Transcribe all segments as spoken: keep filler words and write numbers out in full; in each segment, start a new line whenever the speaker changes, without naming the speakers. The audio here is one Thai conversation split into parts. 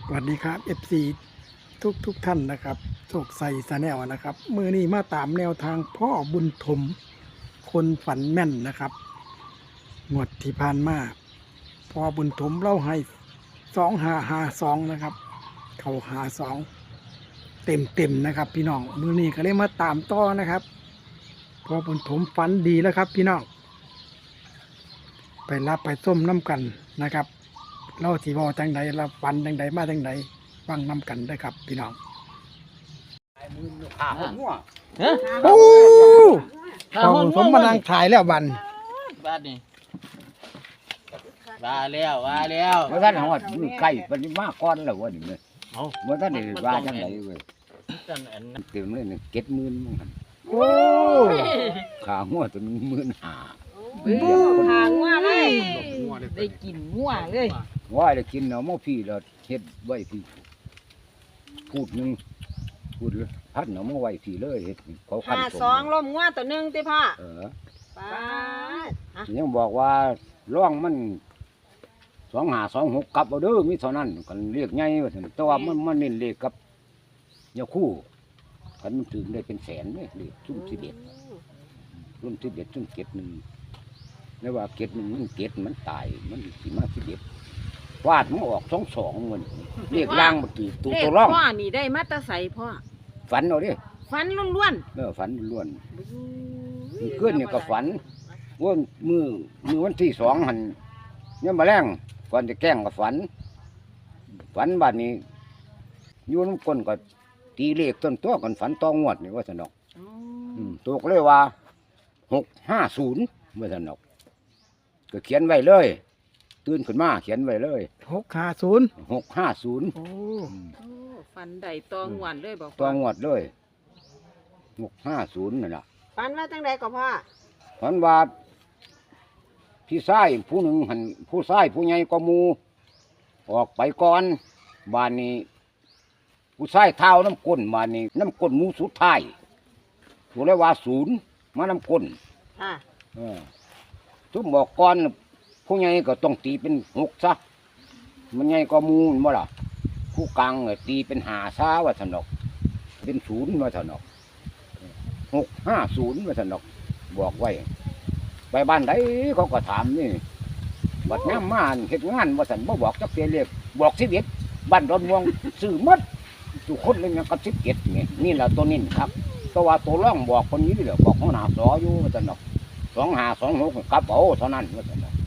สวัสดีครับ เอฟ ซี ทุกทุกท่านนะครับโชคใส่สแนลนะครับมือนี้มาตามแนวทางพ่อบุญถมคนฝันแม่นนะครับงวดที่ผ่านมาพ่อบุญถมเล่าให้สองหาหาสองนะครับเขาหาสองเต็มเต็มนะครับพี่น้องมือนี้ก็เลยมาตามต่อนะครับพ่อบุญถมฝันดีแล้วครับพี่น้องไปรับไปส้มน้ำกันนะครับเล่าที่ว่าจังใดเราฝันจังใดมาจังใดฟังน้ำกันได้ครับพี่น้อง
ขาหัว
ฮะ
โอ้
ข้า
เขา
ห้อง
สมมานั่งถ่ายแล้วบัน
บ้านนี่ว่าแล้วว่าแล้ว
เมื่อท่านหัวมือไก่ปฏิมาก้อนแล้ววะนี่เลย
เอา
เมื่อท่านได้ว่าจังไหนเว้ย
จันอันนั้น
เต็มเลยเนี่ยเก็ดหมื่นมั้งหั่น
โอ้
ขาหัวตัวนึงหมื่นห้า
บูหางงัวเลยได้กินงัวเลย
ว่าได้กินเอาหม้อพี่แล้วเฮ็ดไว้พี่พูดหนึงพูดเลยพัดเอาหม้อไว้พี่เลยเฮ็ดเขาคัน
ห้า
ผม
สองล้มงัวตัวหนึ่งติพ่อ
เออ
ป้าดฮะ
ยังบอกว่าร่องมันสองห้าสองหกกลับเอาเด้อมีเท่านั้นกันเรียกไงว่าซั่นแต่ว่ามันมันเน้นเลขกับยาคู่คันมันถึงได้เป็นแสนเลยเลขชุ่มสิบเอ็ดรุ่นสิบเอ็ดชุ่มเก็ดหนึ่งแล้วว่าเก็ดหนึ่งมันเก็ดมันตายมันสิมาสิบเอ็ดวาดมันออกสองสองมันเรียกล่างมันตื่นตัว
เลข
ตัวร่อง
พ่อนี่ได้มาแตาใสพ่อ
ฝันเอาดิ
ฟันล้วน
เออฝันล้วน
ๆ
มันขึ้นเนี่ยก็ฝันว่ามือมือวันที่สองหันเนี่ยมาแรงก่อนจะแกล้งก็ฝัน ฝันบัดนี้อยูน้ำก้นก็ตีเลขต้นตัวกันฝันตองวดนี่ว่าสนอก
อ๋อ
อืมตัวก็เลยว่าหกห้าศูนย์ว่าสนอกก็เขียนไว้เลย ตื่นขึ้นมาเขียนไว้เลย
หกห้าศูนย์
หกห้าศูนย์
โอ้
โอ้ฟันได้ตองหวนเลยบอก
ตองวดเลยหกห้าศูนย์นั่นแหละ
ฟันว่าจังใดก็พ่อ
ฝันว่าพี่ชายผู้หนึ่งหันผู้ชายผู้ใหญ่ก็มูออกไปก่อนบ้านนี้ ผู้ชายเท้าน้ำก้นบ้านนี้น้ำก้นหมูสุดท้ายถูกเลยว่าศูนย์มาน้ำก้น
ค่ะ
เออทุกบอกก่อนผู้ใหญ่ก็ต้องตีเป็นหกซะมันใหญ่ก็มูนบ่ล่ะผู้กลางก็ตีเป็นหาซาว่าสนอกเป็นศูนย์ว่าสนอกหกห้าศูนย์ว่าสนอกบอกไว้ ไปบ้านใดเขาก็ถามนี่บัดน้ำมาเฮ็ดงานว่าสันบ่บอกจักเสียเรียกบอกสิบเอ็ดบ้านดอนม่วงซื้อหมดทุกคนเลยยังกับสิบเอ็ดนี่นี่แหละตัวนี้ครับแต่ว่าตัวร่องบอกคนนี้เหรอบอกหัวหน้าสออยู่ว่าสันดอกสองห้าสองหกกลับเอาเท่านั้นว่าสันดอก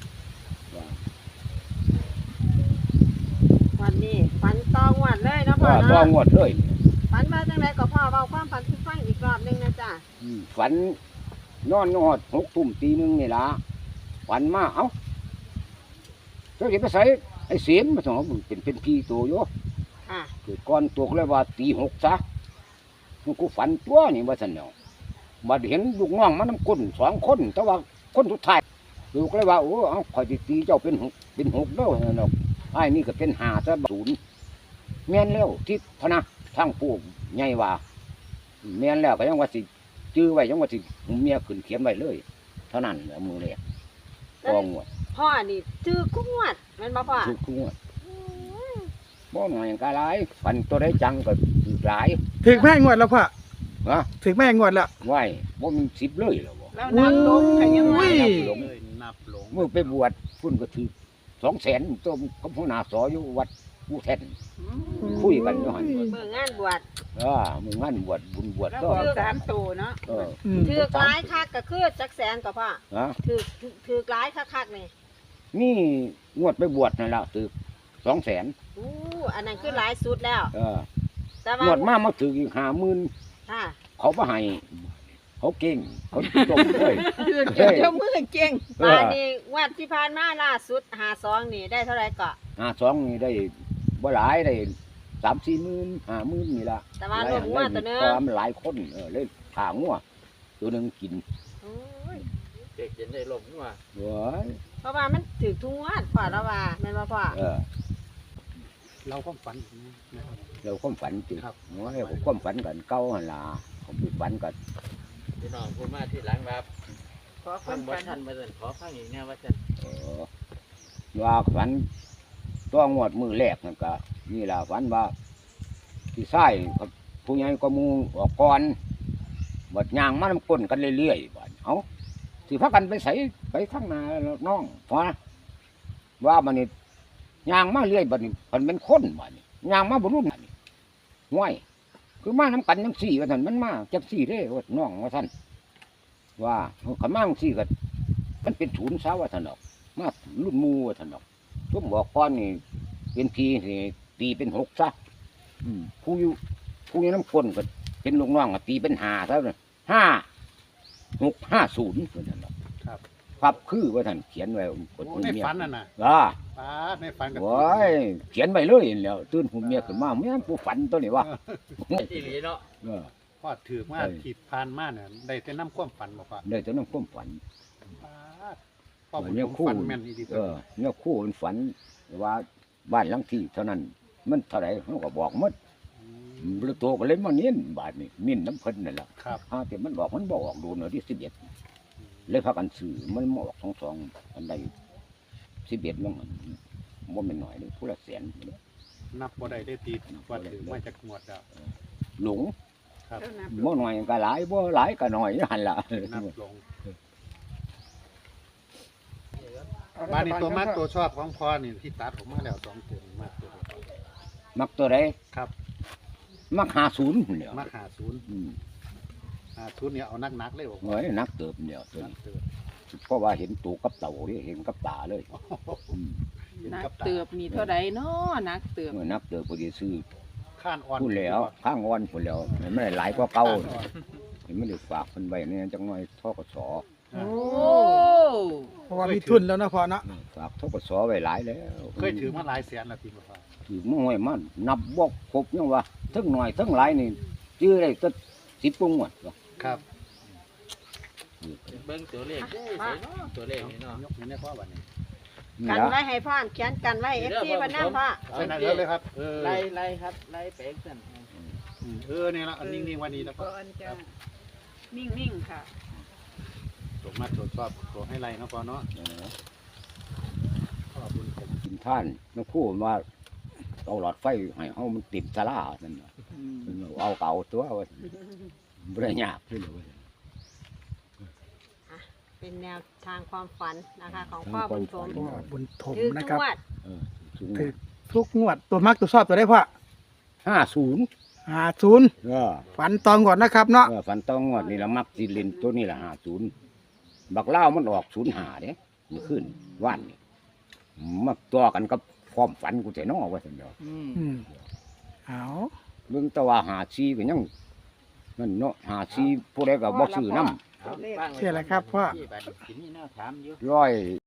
วันนี้ฟันตองหวนเลยเนาะพ่อ
ว่าตัว
เนาะ
งวดเลย
ฟันว่าจังใดก็พ่อเบาความฝันทุกฟังอีกรอบหนึงนะจ๊ะ
อืมฝันนอนนอดหกทุ่มตีหนึงนี่ละฝันมาเอ้าเจ้าเห็นไปใส่ไอ้เสียนมาสองมันเป็นเป็นพี่ตัวอยู่
ค่ะ
เกิดก้อนตัวก็เลยว่าตีหกซะมันกูฝันตัวนี่ว่าสันเนาะบัดเห็นลูกน้องมันน้ำก้นสองคนแต่ว่าคนสุดท้ายลูกเลยว่าโอ้เอาคอยสิตีเจ้าเป็นหกเป็นหกเด้อเนาะไอ้นี่ก็เป็นห้าซะศูนย์แม่นแล้วที่พนะทั้งผู้ใหญ่ว่าแม่นแล้วก็ยังว่าสิจื้อไว้ยังว่าสิเมียขึ้นเขียนไว้เลยเท่านั้นแหละมือเลยกองหมด
พ่อนี่จื้อกุ้งวดแม่นบ่พ่อ
ทุกทุกงวดบ่หน่อยกะหลายฝันตัวได้จังก็ถือหลาย
ถึงแม่งวดแล้วพ่อ
ฮะ
ถึงแม่งวดแล้ว
ไหวบ่มีสิบเลยเหรอบ่
แล้วนับลงก็ยัง
อุ้
ว่าย
เลยนับลง
เมื่อไปบวชพุ่นก็ถือสองแสนตัวกับหัวหน้าสออยู่วัดกูแทนคุยกันอยู่หัน
เบิ่งงานบวช
เออมึงงั้นบวชบุญบวชก็
สามตัวเนาะ
เออ
อืม
ถือกหลายคักก็คือจักแสนก็พ่อ
ฮะ
ถือถือถือกหลายคักๆนี่
นี่งวดไปบวชนั่นแหละถือสองแสน
อู้อันนั้นคือหลายสุดแล้ว
เออ
แต่
ง
ว่าว
ดมามาถืออีกห้าหมื่น
ค่ะ
เขาบ่ให้เขาเก่งเขาจมเลย
เจ้ามือเก่ง
เออ
มานี่งวัดที่ผ่านมาล่าสุดหาซองนี่ได้เท่าไหร่ก็
ห้าสองนี่ได้บ่หลายได้สามสี่หมื่นห้าหมื่นนี่ละ
แต่ว่ารวมงวดตัวหนึง
ตามหลายคนเออเลยขางัวตัวหนึ่งกิน
โอ้ย
เด็กจะได้ลงว่า
เว้ย
เพราะว่ามันถือทุกงวดพ่อแล้วว่าแม่นบ่พ่อ
เออ
เราก็ฝันนะครับ
เราความฝันติ
ครับ
น้อยผมความฝันกันเก่าหั่นล่ะผมไปฝันกัน
พี่น้องพูดมาที่หลังครับ
ขอค
ฟัง
น
บ่
ฝัน
ทันมาสั่นขอฟังอีกแน่ว่าจัน
เออว่าฝันตัวงวดมือแรกนั่นก็นี่ล่ะฝันว่าที่ไส้ผู้ใหญ่ก็มูออกก่อนบัดยางมานำก้นกันเรื่อยๆบัดเอาสิพากันไปใส่ไปทางหน้าน้องพอนะว่ามันนี่ยางมาเรื่อยบัดนี้มันเป็นคนบัดนี้ยางมาบ่รุ่นบัดนี้ห้วยคือมานํกันจังซี่ว่าซั่นมันมาจังซี่เด้ว่าน้องว่าซั่นว่าคันมาจังซี่ก็มันเป็นศูนย์ซะว่าซั่นดอกมารุ่นหมู่ว่าซั่นดอกซุ่มบอกก่อนนี่เป็นพีนี่ตีเป็นหกซะอืมผู้อยู่ผู้อยู่น้ำคนก็เป็นลูกน้องก็ตีเป็นห้าซะเลยห้าหกห้าศูนย์ว่าซั่นดอก
ครับ
ครับคือว่าท่านเขียนไว้กด
โอ้
หุ่น
ใน
เมีย
ฝันนั่นน่ะ
อ่า
ป้าดในฝันกับ
โอ้ยเขียนไว้เลยแล้วตื่นหุ่นเมียขึ้นมาแม่นผู้ฝันตัวนี้วะ
อีหลีเนาะ
เออ
พ่อถือมา
ใช่
ขีดพานมาเนี่ยได้แต่น้ำความฝันบอกว่า
ได้แต่น้ำความฝัน
ป้าดพ่อผม
เนี่ยคู่
ฝันแม่นดี
เออเนี่ยคู่มันฝันว่าบ้านหลังที่เท่านั้น มันเท่าไหร่เขาก็บอกหมดแล้วตัวก็เลยมาเน้นบาทนี่มิ้นน้ำเพิ่นนั่นแหละ
ครับ
ฮะแต่มันบอกมันบอกดูหน่อยที่สิบเอ็ดเลยพากันซื้อมันมาออกสองสองอันใดสิบเอ็ดมันมันเป็นหน่อยเลยผู้ละแสน
นับบ่ได้ได้ตีว่าถือมาจากงวดดาว
หลง
ครับ
บ่หน่อยก็หลายบ่หลายก็หน่อยหันละ
นับลงบ้านนี้ตัวมัดตัวชอบของพ่อนี่ที่ตัดผมมาแล้วสองตัวนี่มัดตัวเดียว
มักตัวใด
ครับ
มักหาศูนย์พุ่นเดียว
มาหาศูนย์
อืม
หาศูนย์เนี่ยเอานักๆเลยบอก
เฮ้ยนักเติบเดียวตัว
นัก
นี้
เตือน
เพราะว่าเห็นตูกับเต่านี่เห็นกับตาเลยอืม
เห็น
นัก
กับตา
เตือบมีเท่าใดเนาะนักเตือบ
เมื่อนักเติบพอดีซื้อ
ข้านอ่อน
พุ่นแล้วข้างอ่อนพุ่นแล้วเห็นไม่ได้หลายกว่าเก่า
ข้นอ่อน
เห็นไม่ได้ฝากเพิ่นไว้เนี่ยจังน้อยทกส
อ่า
โอ้
เพราะว่ามีทุนแล้วนะพ่อเนาะ
ฝากทกสไว้หลายแล้ว
เคยถือมาหลายแสนแล้วทีบอกว่า
ถือมาไว้มันนับบ่ครบยังว่าทั้งหน่อยทั้งหลายนี่ชื่อได้ตั้งสิบกว่าหมดวะ
ครับ
เบิ่งตัวเลขได้ใส่เนาะตัวเลขนี่เนาะ
ยกนี้ในพ่อวันนี้
นี่
กัน
ละ
ไว้ให้พ่อเขียนกันไว้เอฟซีวันนั้นพ่อ
ใช่นั่นเลยครับเออ
ไล่ไล่ครับไล่ไปสั่น
เออเนี่ยละอันนิ่งๆวันนี้แล้วก็
ก่อนจะนิ่งๆค่ะ
ตกมาตรวจสอบตัวให้ไรเนาะพ่อเนาะ
เออ
ขอบคุณผม
กินท่านนักคู่ว่าเอาหลอดไฟให้เฮามันติดสลานั่นน่ะเอาเก่าตัวว่าบ่ได้ยากเลยว่า
เป็นแนวทางความฝันนะคะ ของพ่อบุญชม
พ่อบุญถม
ถือ
นะ
ทุ
ครับ
กวัด
เออสูง
ถือทุกงวดตัวมักตัวชอบตัวได้พ่อ
ห้าศูนย์
หาศูนย์
เออ
ฝันตองก่อนนะครับเนาะ
เออฝันต้องงวดนี่ละมักสิเล่นตัวนี้ละห้าศูนย์บักเล่าวมันออกศูนย์ห้าเด้มันขึ้นว่านนี่มาตัวกันกับความฝันกูแต่น้อว่าซั่นเดียว
อืม
อืมเอา
เบิ่งแตะว่าหาซีก็ยังนั่นเนาะหาซีผู้ใดก็บ่ซื้อนำ
เอาฟังไว้
เชื่อแล้วครับพ่อ
ที่บัดนี้สิมีแนวถามอยู่
ร้อย